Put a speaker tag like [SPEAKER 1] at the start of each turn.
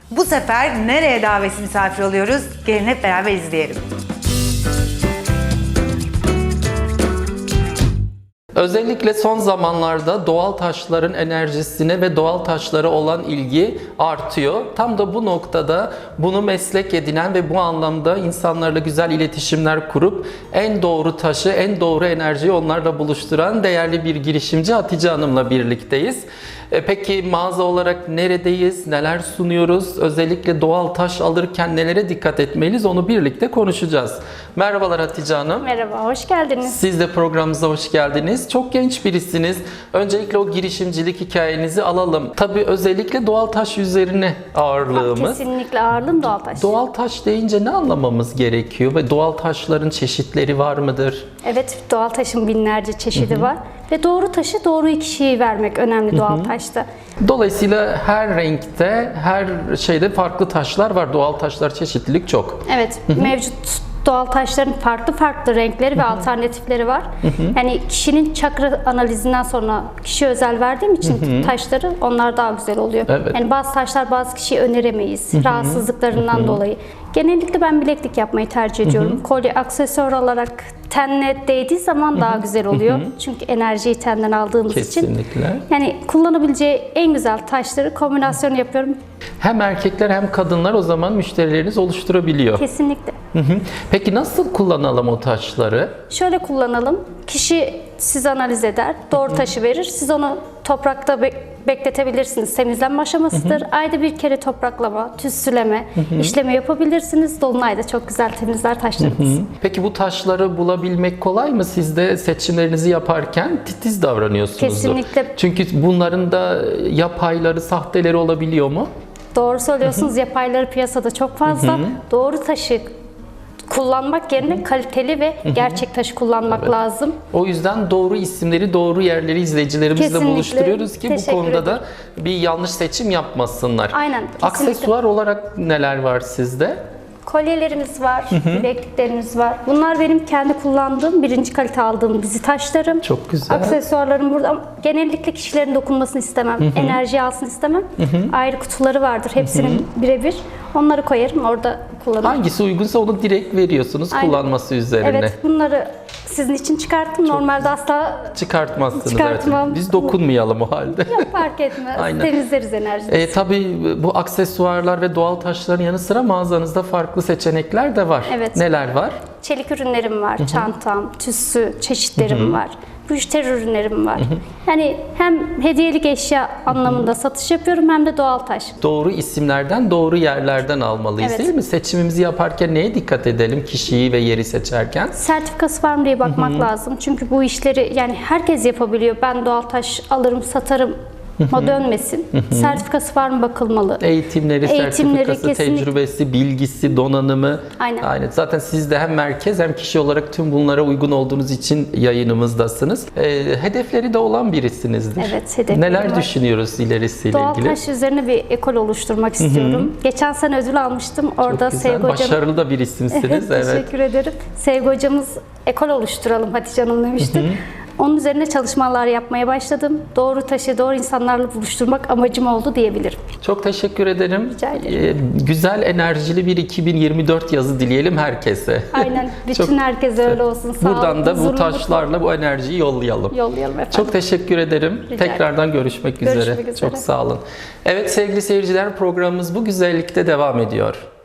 [SPEAKER 1] Bu sefer nereye davetsiz misafir oluyoruz? Gelin hep beraber izleyelim.
[SPEAKER 2] Özellikle son zamanlarda doğal taşların enerjisine ve doğal taşlara olan ilgi artıyor. Tam da bu noktada bunu meslek edinen ve bu anlamda insanlarla güzel iletişimler kurup en doğru taşı, en doğru enerjiyi onlarla buluşturan değerli bir girişimci Hatice Hanım'la birlikteyiz. Peki mağaza olarak neredeyiz, neler sunuyoruz, özellikle doğal taş alırken nelere dikkat etmeliyiz onu birlikte konuşacağız. Merhabalar Hatice Hanım.
[SPEAKER 3] Merhaba, hoş geldiniz.
[SPEAKER 2] Siz de programımıza hoş geldiniz. Çok genç birisiniz. Öncelikle o girişimcilik hikayenizi alalım. Tabii özellikle doğal taş üzerine ağırlığımız.
[SPEAKER 3] Kesinlikle ağırlığım doğal taş.
[SPEAKER 2] Doğal taş deyince ne anlamamız gerekiyor ve doğal taşların çeşitleri var mıdır?
[SPEAKER 3] Evet, doğal taşın binlerce çeşidi var. Ve doğru taşı doğru kişiye vermek önemli doğal taşta.
[SPEAKER 2] Dolayısıyla her renkte, her şeyde farklı taşlar var. Doğal taşlar çeşitlilik çok.
[SPEAKER 3] Evet, mevcut doğal taşların farklı farklı renkleri ve alternatifleri var. Yani kişinin çakra analizinden sonra kişiye özel verdiğim için taşları onlar daha güzel oluyor.
[SPEAKER 2] Evet.
[SPEAKER 3] Yani bazı taşlar bazı kişiye öneremeyiz rahatsızlıklarından dolayı. Genellikle ben bileklik yapmayı tercih ediyorum. Kolye, aksesuar olarak tenle değdiği zaman daha güzel oluyor. Çünkü enerjiyi tenden aldığımız için.
[SPEAKER 2] Kesinlikle.
[SPEAKER 3] Yani kullanabileceği en güzel taşları kombinasyon yapıyorum.
[SPEAKER 2] Hem erkekler hem kadınlar o zaman müşterileriniz oluşturabiliyor.
[SPEAKER 3] Kesinlikle.
[SPEAKER 2] Peki nasıl kullanalım o taşları?
[SPEAKER 3] Şöyle kullanalım. Kişi sizi analiz eder, doğru taşı verir. Siz onu toprakta bekletebilirsiniz. Temizlenme aşamasıdır. Ayda bir kere topraklama, tütsüleme, işlemi yapabilirsiniz. Dolunayda çok güzel temizler taşlarınız.
[SPEAKER 2] Peki bu taşları bulabilmek kolay mı? Siz de seçimlerinizi yaparken titiz davranıyorsunuzdur.
[SPEAKER 3] Kesinlikle.
[SPEAKER 2] Çünkü bunların da yapayları, sahteleri olabiliyor mu?
[SPEAKER 3] Doğru söylüyorsunuz. Yapayları piyasada çok fazla. Doğru taşı kullanmak yerine kaliteli ve gerçek taşı kullanmak lazım.
[SPEAKER 2] O yüzden doğru isimleri, doğru yerleri izleyicilerimizle
[SPEAKER 3] Kesinlikle.
[SPEAKER 2] buluşturuyoruz ki bu
[SPEAKER 3] Teşekkür
[SPEAKER 2] konuda da
[SPEAKER 3] ederim.
[SPEAKER 2] bir yanlış seçim yapmasınlar.
[SPEAKER 3] Aynen, kesinlikle.
[SPEAKER 2] Aksesuar olarak neler var sizde?
[SPEAKER 3] Kolyelerimiz var, bilekliklerimiz var. Bunlar benim kendi kullandığım, birinci kalite aldığım bizi taşlarım.
[SPEAKER 2] Çok güzel.
[SPEAKER 3] Aksesuarlarım burada ama genellikle kişilerin dokunmasını istemem. Enerji alsın istemem. Ayrı kutuları vardır hepsinin birebir. Onları koyarım, orada kullanırım.
[SPEAKER 2] Hangisi uygunsa onu direkt veriyorsunuz
[SPEAKER 3] Aynen.
[SPEAKER 2] kullanması üzerine.
[SPEAKER 3] Evet, bunları sizin için çıkarttım. Normalde asla
[SPEAKER 2] Çıkartmazsınız.
[SPEAKER 3] Çıkartmam.
[SPEAKER 2] Evet. Biz dokunmayalım o halde.
[SPEAKER 3] fark etmez.
[SPEAKER 2] Aynen.
[SPEAKER 3] Temizleriz enerjimizi.
[SPEAKER 2] Tabii bu aksesuarlar ve doğal taşların yanı sıra mağazanızda farklı seçenekler de var.
[SPEAKER 3] Evet.
[SPEAKER 2] Neler var?
[SPEAKER 3] Çelik ürünlerim var, çantam, tüssü, çeşitlerim var. Müşteri ürünlerim var. Yani hem hediyelik eşya anlamında satış yapıyorum hem de doğal taş.
[SPEAKER 2] Doğru isimlerden, doğru yerlerden almalıyız
[SPEAKER 3] Evet.
[SPEAKER 2] değil mi? Seçimimizi yaparken neye dikkat edelim kişiyi ve yeri seçerken?
[SPEAKER 3] Sertifikası var mı diye bakmak lazım. Çünkü bu işleri yani herkes yapabiliyor. Ben doğal taş alırım, satarım. O dönmesin. Sertifikası var mı bakılmalı.
[SPEAKER 2] Eğitimleri, sertifikası,
[SPEAKER 3] kesinlikle.
[SPEAKER 2] tecrübesi, bilgisi, donanımı.
[SPEAKER 3] Aynen.
[SPEAKER 2] Zaten siz de hem merkez hem kişi olarak tüm bunlara uygun olduğunuz için yayınımızdasınız. Hedefleri de olan birisinizdir.
[SPEAKER 3] Evet, hedeflerim
[SPEAKER 2] Neler
[SPEAKER 3] var.
[SPEAKER 2] düşünüyoruz ilerisiyle
[SPEAKER 3] Doğal
[SPEAKER 2] ilgili?
[SPEAKER 3] taş üzerine bir ekol oluşturmak istiyorum. Geçen sene ödül almıştım. Orada
[SPEAKER 2] Güzel,
[SPEAKER 3] Sevgi hocam.
[SPEAKER 2] başarılı da bir isimsiniz. Evet.
[SPEAKER 3] Teşekkür ederim. Sevgi hocamız ekol oluşturalım Hatice Hanım demişti. Onun üzerine çalışmalar yapmaya başladım. Doğru taşı doğru insanlarla buluşturmak amacım oldu diyebilirim.
[SPEAKER 2] Çok teşekkür ederim.
[SPEAKER 3] Rica ederim.
[SPEAKER 2] Güzel, enerjili bir 2024 yazı dileyelim herkese.
[SPEAKER 3] Aynen. Bütün
[SPEAKER 2] Çok-
[SPEAKER 3] herkese öyle olsun.
[SPEAKER 2] Buradan da bu
[SPEAKER 3] huzurlu,
[SPEAKER 2] taşlarla bu enerjiyi yollayalım.
[SPEAKER 3] mutlu yollayalım efendim.
[SPEAKER 2] Çok teşekkür ederim.
[SPEAKER 3] Rica
[SPEAKER 2] Tekrardan görüşmek üzere.
[SPEAKER 3] Görüşmek üzere.
[SPEAKER 2] Çok sağ olun. Evet sevgili seyirciler, programımız bu güzellikte devam ediyor.